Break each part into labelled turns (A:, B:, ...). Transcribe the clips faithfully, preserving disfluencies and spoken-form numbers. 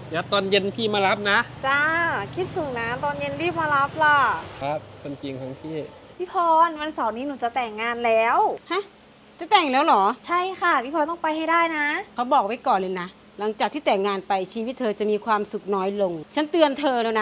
A: เดี๋ยวตอนเย็นพี่มารับนะ
B: จ้าคิดถึงนะตอนเย็นรีบมารับล่ะ
A: ครับคนจริงของพี่
B: พี่พรวันเสาร์นี้หนูจะแต่งงานแล้ว
C: ฮะจะแต่งแล้วเหรอ
B: ใช่ค่ะพี่พรต้องไปให้ได้นะ
C: เขาบอกไว้ก่อนเลยนะหลังจากที่แต่งงานไปชีวิตเธอจะมีความสุขน้อยลงฉันเตือนเธอแล้วนะ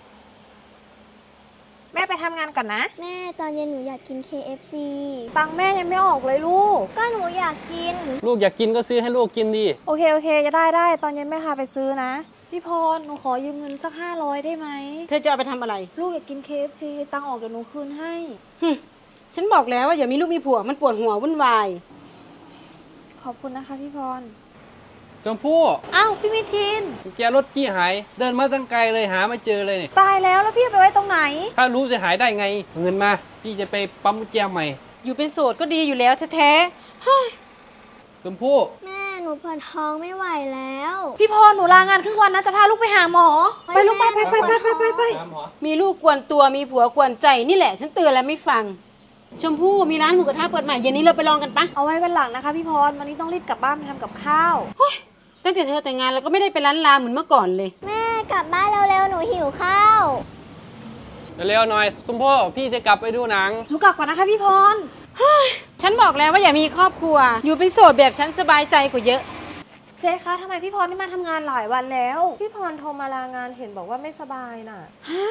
B: แม่ไปทำงานก่อนนะ
D: แม่ตอนเย็นหนูอยากกิน เค เอฟ ซี
B: ตังค์แม่ยังไม่ออกเลยลูก
D: ก็หนูอยากกิน
A: ลูกอยากกินก็ซื้อให้ลูกกินดิ
B: โอเคโอเคจะได้ได้ตอนเย็นแม่พาไปซื้อนะพี่พรหนูขอยืมเงินสักห้าร้อยได้ไหม
C: เธอจะเอาไปทำอะไร
B: ลูกอยากกิน เค เอฟ ซี ตังค์ออกเดี๋ยวหนูคืนให้
C: ฉันบอกแล้วว่าอย่ามีลูกมีผัวมันปวดหัววุ่นวาย
B: ขอบคุณนะคะพี่พร
A: ชมพู่
B: อ้าวพี่มิทิน
A: กุญแจรถพี่หายเดินมาตั้งไกลเลยหาไม่เจอเลยเนี่ย
B: ตายแล้วแล้วพี่ไปไว้ตรงไหน
A: ถ้ารู้จะหายได้ไงเงินมาพี่จะไปปั๊มกุญแจใหม่
C: อยู่เป็นโสดก็ดีอยู่แล้วแท้
A: ๆชมพู่
D: แม่หนูปวดท้องไม่ไหวแล้ว
B: พี่พรหนูลางานครึ่งวันนะจะพาลูกไปหาหมอไปลูกไปไปไปไปไปไป
C: มีลูกกวนตัวมีผัวกวนใจนี่แหละฉันเตือนแล้วไม่ฟังชมพู่มีร้านหมูกระทะเปิดใหม่เย็นนี้เราไปลองกันปะ
B: เอาไว้วันหลังนะคะพี่พรวันนี้ต้องรีบกลับบ้านไปทำกับข้าว
C: ตั้งแต่เธอแต่งงานแล้วก็ไม่ได้ไปร้านลาเหมือนเมื่อก่อนเลย
D: แม่กลับบ้านเร็วๆหนูหิวข้าว
A: เร็วๆหน่อยชมพู่พี่จะกลับไปดูหนัง
B: หนูกลับก่อนนะคะพี่พร
C: ฉันบอกแล้วว่าอย่ามีครอบครัวอยู่เป็นโสดแบบฉันสบายใจกว่าเยอะ
B: เจ๊คะทำไมพี่พรไม่มาทำงานหลายวันแล้วพี่พรโทรมาลางานเห็นบอกว่าไม่สบายน่ะฮะ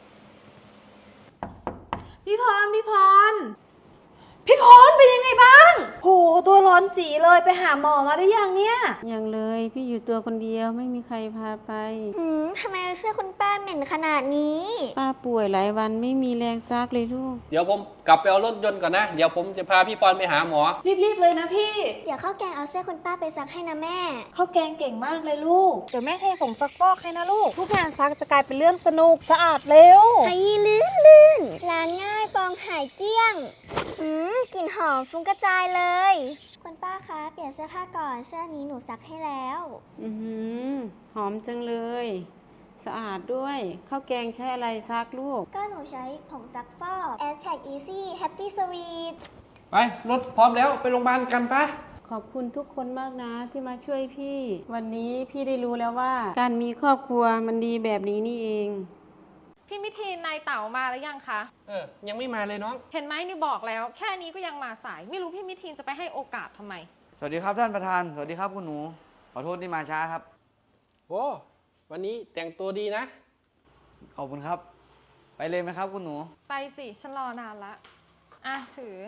B: พี่พรพี่พรพี่พรเป็นยังไงบ้างโหตัวร้อนจีเลยไปหาหมอมาได้ยังเนี่ย
C: ยังเลยพี่อยู่ตัวคนเดียวไม่มีใครพาไป
D: หืมทำไมเสื้อคุณป้าเหม็นขนาดนี้
C: ป้าป่วยหลายวันไม่มีแรงซักเลยลูก
A: เดี๋ยวผมกลับไปเอารถยนต์ก่อนนะเดี๋ยวผมจะพาพี่พรไปหาหมอ
B: รีบๆเลยนะพี่
D: เดี๋ยวข้าวแกงเอาเสื้อคุณป้าไปซักให้นะแม่
B: ข้าวแกงเก่งมากเลยลูกเดี๋ยวแม่เทผงซักฟอกให้นะลูกทุกงานซักจะกลายเป็นเรื่องสนุกสะอาดเร็ว
D: ไอ้ลื่นลื่นล้างง่ายฟองหายเกลี้ยงอืมกลิ่นหอมฟุ้งกระจายเลยคุณป้าคะเปลี่ยนเสื้อผ้าก่อนเสื้อนี้หนูซักให้แล้ว
C: อือหอมจังเลยสะอาดด้วยข้าวแกงใช้อะไรซักลูก
D: ก็หนูใช้ผงซักฟอก แอสแท็ก Easy Happy Sweet
A: ไปรถพร้อมแล้วไปโรงพยาบาลกันปะ
C: ขอบคุณทุกคนมากนะที่มาช่วยพี่วันนี้พี่ได้รู้แล้วว่าการมีครอบครัวมันดีแบบนี้นี่เอง
E: พี่มิทีนนายเต๋ามาแล้วยังคะ
A: เออยังไม่มาเลยน้อง
E: เห็นไหมนี่บอกแล้วแค่นี้ก็ยังมาสายไม่รู้พี่มิทีนจะไปให้โอกาสทำไม
F: สวัสดีครับท่านประธานสวัสดีครับคุณหนูขอโทษที่มาช้าครับ
A: โอ้วันนี้แต่งตัวดีนะ
F: ขอบคุณครับไปเลยไหมครับคุณหนู
E: ไปสิฉันรอนานละอ่ะถือ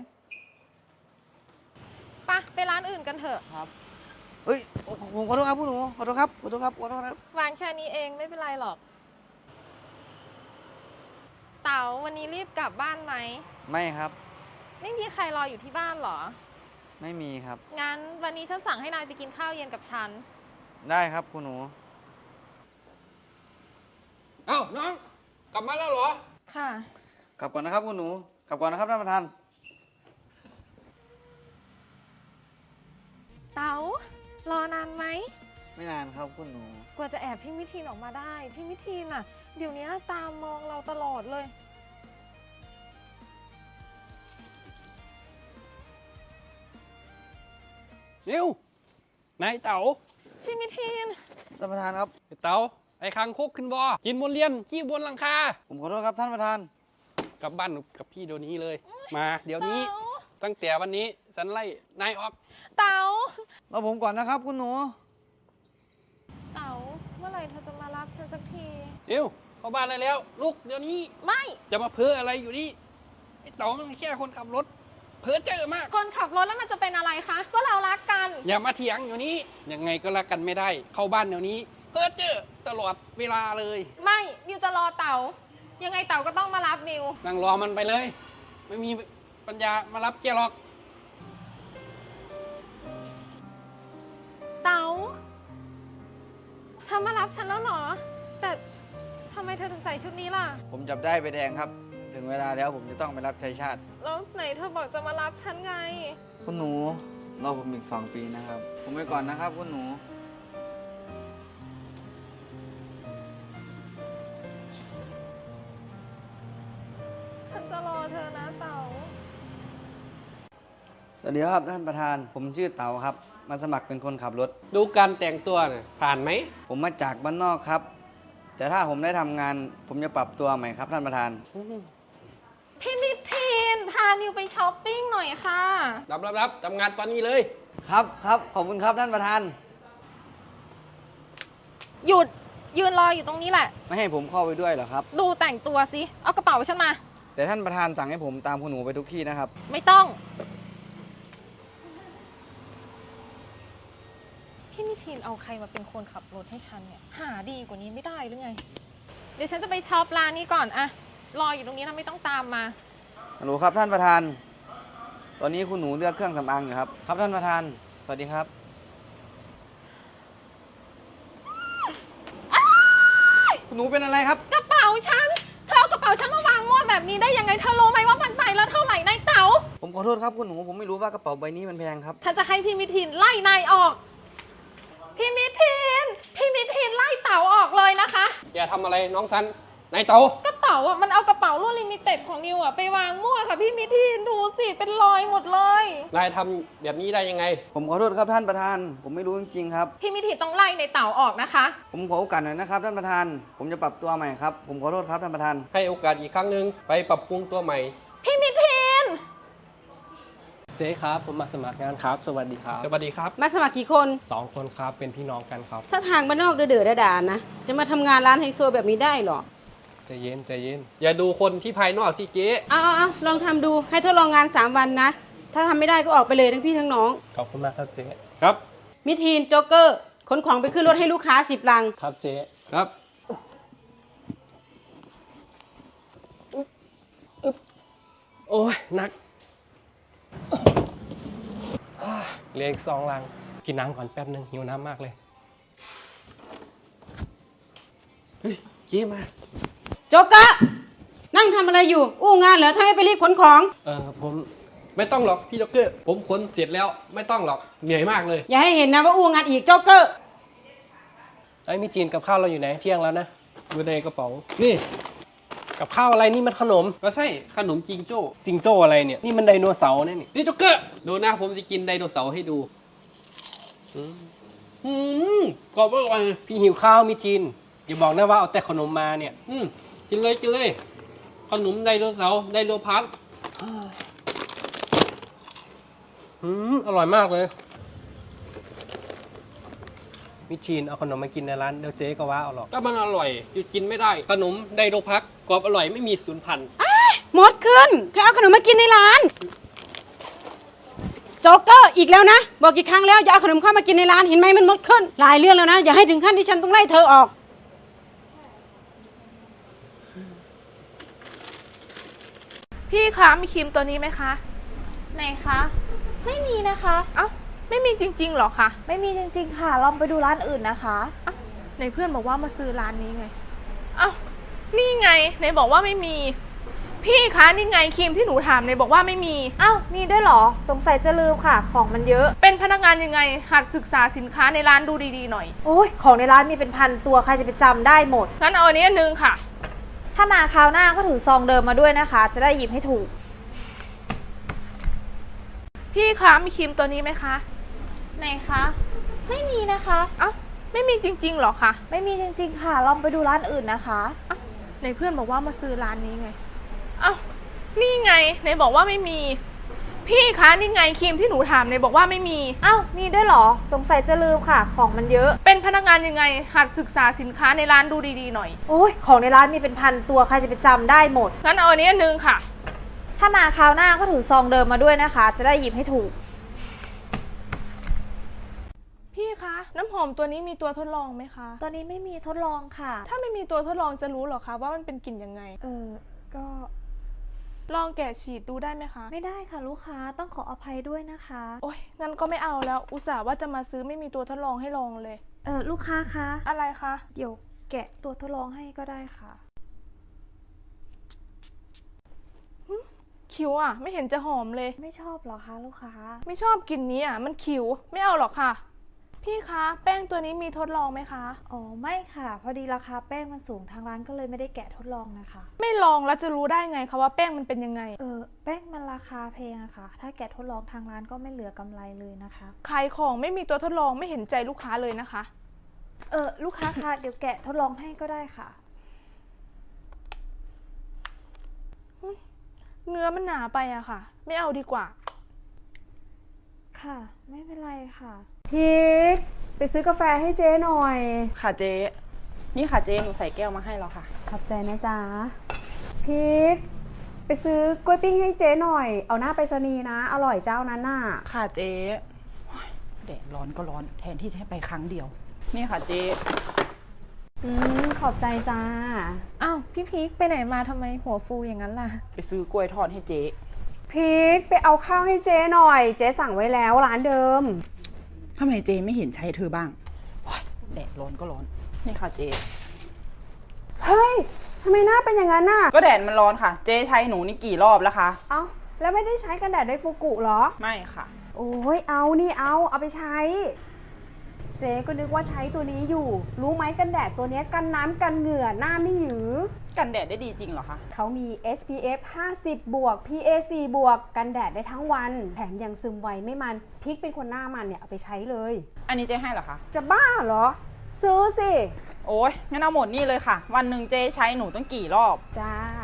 E: ปะไปร้านอื่นกันเถอะ
F: ครับเฮ้ยผมขอโทษครับคุณหนูขอโทษครับขอโทษครับขอโทษครับ
E: วางแค่นี้เองไม่เป็นไรหรอกเต๋าวันนี้รีบกลับบ้านไหม
F: ไม่ครับ
E: ไม่มีใครรออยู่ที่บ้านหรอ
F: ไม่มีครับ
E: งั้นวันนี้ฉันสั่งให้นายไปกินข้าวเย็นกับฉัน
F: ได้ครับคุณหนู
A: เอ้าน้องกลับมาแล้วเหรอ
E: ค่ะ
F: กลับก่อนนะครับคุณหนูกลับก่อนนะครับท่านประธาน
E: เต๋ารอนานไหม
F: ไม่นานครับคุณหนู
E: กว่าจะแอบพี่มิทีนออกมาได้พี่มิทีนอ่ะเดี๋ยวนี้ตามมองเราตลอดเลย
A: เร็วนายเต๋า
E: พี่มิทีน
F: ท่านประธานครับ
A: เต๋าไอ้คังคกขึ้นบอกินบนเรียนขี้บนหลังคา
F: ผมขอโทษครับท่านประธาน
A: กลับบ้านกับพี่เดี๋ยวนี้เลยมาเดี๋ยวนี้ตั้งแต่วันนี้ฉันไล่นายออก
E: เต๋าร
F: อผมก่อนนะครับคุณหนู
E: เต๋าเมื่อไหร่เธอจะมารับฉันสักที
A: เร็วเข้าบ้านได้แล้วลุกเดี๋ยวนี้
E: ไม่
A: จะมาเพ้ออะไรอยู่นี่ไอ้เต๋ามันแค่คนขับรถเพ้อเจอมาก
E: คนขับรถแล้วมันจะเป็นอะไรคะก็เรารักกัน
A: อย่ามาเถียงอยู่นี้ยังไงก็รักกันไม่ได้เข้าบ้านเดี๋ยวนี้เพ้อเจอตลอดเวลาเลย
E: ไม่มิวจะรอเต๋ายังไงเต๋าก็ต้องมารับมิว
A: นั่งรอมันไปเลยไม่มีปัญญามารับแกหรอก
E: เต๋าเธอมารับฉันแล้วเหรอแต่ทำไมเธอถึงใส่ชุดนี้ล่ะ
F: ผมจับได้ใบแดงครับถึงเวลาแล้วผมจะต้องไปรับใช้ชาติ
E: แล้วไหนเธอบอกจะมารับฉันไง
F: คุณหนูรอผมอีกสองปีนะครับผมไปก่อนนะครับคุณหนู
E: ฉันจะรอเธอนะเต๋า
F: สวัสวัสดีครับท่านประธาน ผมชื่อเต๋าครับ มาสมัครเป็นคนขับรถ
A: ดูการแต่งตัวน่ะผ่านไหม
F: ผมมาจากบ้านนอกครับ แต่ถ้าผมได้ทำงาน ผมจะปรับตัวใหม่ครับท่านประธาน
E: พี่มิทีนพานิวไปช้อปปิ้งหน่อยค่ะ
A: รับรับรับทำงานตอนนี้เลย
F: ครับครับขอบคุณครับท่านประธาน
E: หยุดยืนรออยู่ตรงนี้แหละ
F: ไม่ให้ผมเข้าไปด้วยเหรอครับ
E: ดูแต่งตัวสิ เอากระเป๋าฉันมา
F: แต่ท่านประธานสั่งให้ผมตามคุณหนูไปทุกที่นะครับ
E: ไม่ต้อง พี่มิทีนเอาใครมาเป็นคนขับรถให้ฉันเนี่ย หาดีกว่านี้ไม่ได้หรือไง เดี๋ยวฉันจะไปช็อปร้านนี้ก่อนอะรออยู่ตรงนี้นะไม่ต้องตามมา
F: ฮัลโหลครับท่านประธาน ตอนนี้คุณหนูเลือกเครื่องสำอางอยู่ครับ ครับท่านประธาน สวัสดีครับ คุณหนูเป็นอะไรครับ
E: กระเป๋าฉัน เธอเอากระเป๋าฉันมาวางมั่วแบบนี้ได้ยังไง เธอรู้ไหมว่ามันใบละเท่าไหร่นายเต๋า
F: ผมขอโทษครับคุณหนู ผมไม่รู้ว่ากระเป๋าใบนี้มันแพงครับ
E: ฉันจะให้พี่มิทีนไล่นายออก พี่มิทีน พี่มิทีนไล่เต๋าออกเลยนะคะ
A: อย่าทำอะไรน้องซันนายเต๋าก
E: ระเป๋าอ่ะมันเอากระเป๋ารุ่นลิมิเต็ดของนิวอ่ะไปวางมั่วค่ะพี่มิทีนดูสิเป็นรอยหมดเลย
A: นายทำแบบนี้ได้ยังไง
F: ผมขอโทษครับท่านประธาน ผมไม่รู้จริงๆครับ
E: พี่มิทีนต้องไล่ในเต๋าออกนะคะ
F: ผมขอโอกาสหน่อยนะครับท่านประธาน ผมจะปรับตัวใหม่ครับ ผมขอโทษครับท่านประธาน
A: ให้โอกาสอีกครั้งหนึ่งไปปรับปรุงตัวใหม่
E: พี่มิทีน
G: เจ๊ครับ ผมมาสมัครงานครับ สวัสดีครับ
A: สวัสดีครับ
C: มาสมัครกี่คน
G: สองคนครับเป็นพี่น้องกันครับ
C: ถ้าทางบ้านนอกเดือดๆด่าๆนะ จะมาทำงานร้านไฮโซแบบนี้ได้เหรอ
G: ใจเย็นใจเย็น
A: อย่าดูคนที่ภายนอกที่เจ๊
C: เอาเอาเอาลองทำดู ให้ทดลองงานสามวันนะ ถ้าทำไม่ได้ก็ออกไปเลยทั้งพี่ทั้งน้อง
G: ขอบคุณมากครับเจ๊
A: ครับ
C: มิทีนโจ๊กเกอร์ขนของไปขึ้นรถให้ลูกค้าสิบลัง
G: ครับเจ๊
A: ครับ
G: โอ้ยหนักเหลืออีกสองลัง กินน้ำก่อนแป๊บนึงหิวน้ำมากเลย
A: เฮ้ยเจ๊มา
C: โจ๊กเกอร์นั่งทำอะไรอยู่ อู้งานเหรอทำไมไปรีบขนของ
A: เออผมไม่ต้องหรอกพี่ด็อกเกอร์ ผมขนเสร็จแล้วไม่ต้องหรอกเหนื่อยมากเลย
C: อย่าให้เห็นนะว่าอู้งานอีกโจ๊กเกอร์
G: ไอ้ยมีจีนกับข้าวเราอยู่ไหนเที่ยงแล้วนะ
A: อยู่ในกระเป๋า นี่
G: กับข้าวอะไรนี่มันขนม
A: ก็ใช่ขนมจิงโจ้
G: จิงโจ้อะไรเนี่ย นี่มันไดโนเสาร์เนี่ยนี่
A: นี่ด็อกเกอร์ ดูนะผมจะกินไดโนเสาร์ให้ดูอืมอืมกรอบอร่อย
G: พี่หิวข้าวมีจีนอย่าบอกนะว่าเอาแต่ขนมมาเนี่ย
A: อืมกินเลยกินเลย ขนมไดโนเสาร์ไดโนพัท
G: อืมอร่อยมากเลยมิชีนเอาขนมมากินในร้านเดี๋ยวเจ๊ก็ว่าเอาหรอก
A: ก็มันอร่อยหยุดกินไม่ได้ ขนมไดโนพัทกรอบอร่อยไม่มีสูญพันธุ์
C: หมดขึ้นเธอเอาขนมมากินในร้าน โจ๊กเกอร์อีกแล้วนะ บอกกี่ครั้งแล้วอย่าเอาขนมเข้ามากินในร้านเห็นไหมมันหมดขึ้น หลายเรื่องแล้วนะ อย่าให้ถึงขั้นที่ฉันต้องไล่เธอออก
H: พี่คะมีครีมตัวนี้ไหมคะ
B: ไหนคะ ไม่มีนะคะ
H: เอ้าไม่มีจริงๆหรอคะ
B: ไม่มีจริงๆค่ะ ลองไปดูร้านอื่นนะคะ
H: เอ้าในเพื่อนบอกว่ามาซื้อร้านนี้ไง เอ้านี่ไงไหนบอกว่าไม่มี พี่คะนี่ไงครีมที่หนูถามไหนบอกว่าไม่มี
B: เอ้ามีด้วยเหรอ สงสัยจะลืมค่ะ ของมันเยอะ
H: เป็นพนักงานยังไงหัดศึกษาสินค้าในร้านดูดีๆหน่อย
B: โอ้ยของในร้านมีเป็นพันตัวใครจะไปจำได้หมด
H: งั้นเอาอันนี้อันนึงค่ะ
B: ถ้ามาคราวหน้าก็ถือซองเดิมมาด้วยนะคะ จะได้หยิบให้ถูก
H: พี่คะมีครีมตัวนี้ไหมคะ
B: ไหนคะ ไม่มีนะคะ
H: เอ้าไม่มีจริงๆหรอคะ
B: ไม่มีจริงๆค่ะ ลองไปดูร้านอื่นนะคะ
H: เอ้าในเพื่อนบอกว่ามาซื้อร้านนี้ไง เอ้านี่ไงไหนบอกว่าไม่มี พี่คะนี่ไงครีมที่หนูถามไหนบอกว่าไม่มี
B: เอ้ามีด้วยเหรอ สงสัยจะลืมค่ะ ของมันเยอะ
H: เป็นพนักงานยังไงหัดศึกษาสินค้าในร้านดูดีๆหน่อย
B: โอ้ยของในร้านมีเป็นพันตัวใครจะไปจำได้หมด
H: งั้นเอาอันนี้อันนึงค่ะ
B: ถ้ามาคราวหน้าก็ถือซองเดิมมาด้วยนะคะ จะได้หยิบให้ถูก
H: พี่คะน้ำหอมตัวนี้มีตัวทดลองไหมคะ
B: ตอนนี้ไม่มีทดลองค่ะ
H: ถ้าไม่มีตัวทดลองจะรู้เหรอคะว่ามันเป็นกลิ่นยังไง
B: เออ ก็
H: ลองแกะฉีดดูได้ไหมคะ
B: ไม่ได้ค่ะลูกค้าต้องขออภัยด้วยนะคะ
H: โอ๊ยงั้นก็ไม่เอาแล้ว อุตส่าห์ว่าจะมาซื้อไม่มีตัวทดลองให้ลองเลย
B: เออลูกค้าคะ
H: อะไรคะ
B: เดี๋ยวแกะตัวทดลองให้ก็ได้ค่ะ
H: คิวอ่ะ ไม่เห็นจะหอมเลย
B: ไม่ชอบเหรอคะลูกค้า
H: ไม่ชอบกลิ่นนี้อ่ะมันคิวไม่เอาหรอกค่ะพี่คะแป้งตัวนี้มีทดลองไหมคะ
B: อ๋อไม่ค่ะ พอดีราคาแป้งมันสูงทางร้านก็เลยไม่ได้แกะทดลองนะคะ
H: ไม่ลองแล้วจะรู้ได้ไงคะว่าแป้งมันเป็นยังไง
B: เออแป้งมันราคาแพงอะค่ะ ถ้าแกะทดลองทางร้านก็ไม่เหลือกำไรเลยนะคะ
H: ขายของไม่มีตัวทดลองไม่เห็นใจลูกค้าเลยนะคะ
B: เออลูกค้าคะ เดี๋ยวแกะทดลองให้ก็ได้ค่ะ
H: เนื้อมันหนาไปอะค่ะ ไม่เอาดีกว่า
B: ค่ะ ไม่เป็นไรค่ะ
C: พีกไปซื้อกาแฟให้เจ๊หน่อย
I: ค่ะเจ๊ นี่ค่ะเจ๊หนูใส่แก้วมาให้แล้วค่ะ
C: ขอบใจนะจ๊ะพีกไปซื้อกล้วยปิ้งให้เจ๊หน่อย เอาหน้าไปรษณีย์นะ อร่อยเจ้านั้นน่ะ
I: ค่ะเจ๊โอ๊ยแดดร้อนก็ร้อนแทนที่จะให้ไปครั้งเดียว นี่ค่ะเจ๊
C: อืมขอบใจจ้า
E: อ้าวพี่พีคไปไหนมาทำไมหัวฟูอย่างนั้นล่ะ
I: ไปซื้อกล้วยทอดให้เจ๊
C: พีกไปเอาข้าวให้เจ๊หน่อย เจ๊สั่งไว้แล้วร้านเดิม
I: ทำไมเจ๊ไม่เห็นใช้เธอบ้างโอ๊ยแดดร้อนก็ร้อน นี่ค่ะเจ๊
C: เฮ้ยทำไมหน้าเป็นอย่างนั้นน่ะ
I: ก็แดดมันร้อนค่ะ เจ๊ใช้หนูนี่กี่รอบแล้วคะ
C: เอ้าแล้วไม่ได้ใช้กันแดดไดฟูกุเหรอ
I: ไม่ค่ะ
C: โอ้ยเอานี่เอาเอาไปใช้ เจ๊ก็นึกว่าใช้ตัวนี้อยู่ รู้ไหมกันแดดตัวเนี้ยกันน้ำกันเหงื่อหน้าไม่หยือ
I: กันแดดได้ดีจริงเหรอคะ
C: เขามี เอส พี เอฟ ห้าสิบ บวก พี เอ ซี บวก กันแดดได้ทั้งวัน แถมยังซึมไวไม่มันพิกเป็นคนหน้ามันเนี่ยเอาไปใช้เลย
I: อันนี้เจ๊ให้เหรอคะ
C: จะบ้าเหรอ ซื้อสิ
I: โอ๊ยงั้นเอาหมดนี่เลยค่ะ วันหนึ่งเจ๊ใช้หนูต้องกี่รอบ
C: จ้า